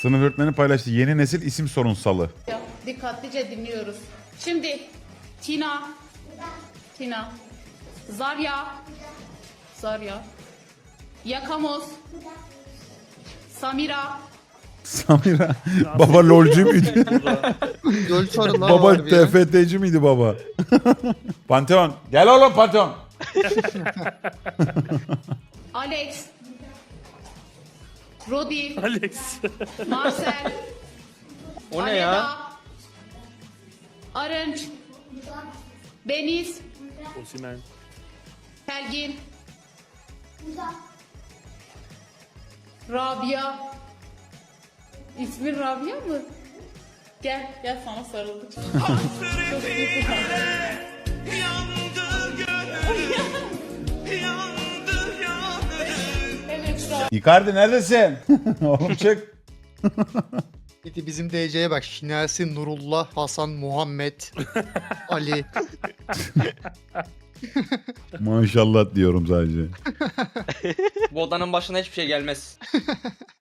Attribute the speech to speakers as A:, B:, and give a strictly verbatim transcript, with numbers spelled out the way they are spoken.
A: Sınıf öğretmeni paylaştı. Yeni nesil isim sorunsalı.
B: Dikkatlice dinliyoruz. Şimdi Tina. Tina. Zarya. Zarya. Yakamoz. Samira.
A: Samira. Baba lolcu muydu?
C: Göl sorular
A: Baba
C: var bir ya.
A: T F T'ci miydi baba? Pantheon. Gel oğlum Pantheon.
B: Alex. Rodi.
D: Alex.
B: Marcel.
C: O ne ya?
B: Aleda, Arınç. Deniz.
D: Osimhen.
B: Belgin. Rabia. İsmin Rabia mı? Gel, gel sana sarıldık. Çok iyi kız. Evet, Rabia.
A: Icardi neredesin? Oğlum çık.
C: Bir de bizim D C'ye bak. Şinasi, Nurullah, Hasan, Muhammed, Ali.
A: Maşallah diyorum sadece.
E: Bu odanın başına hiçbir şey gelmez.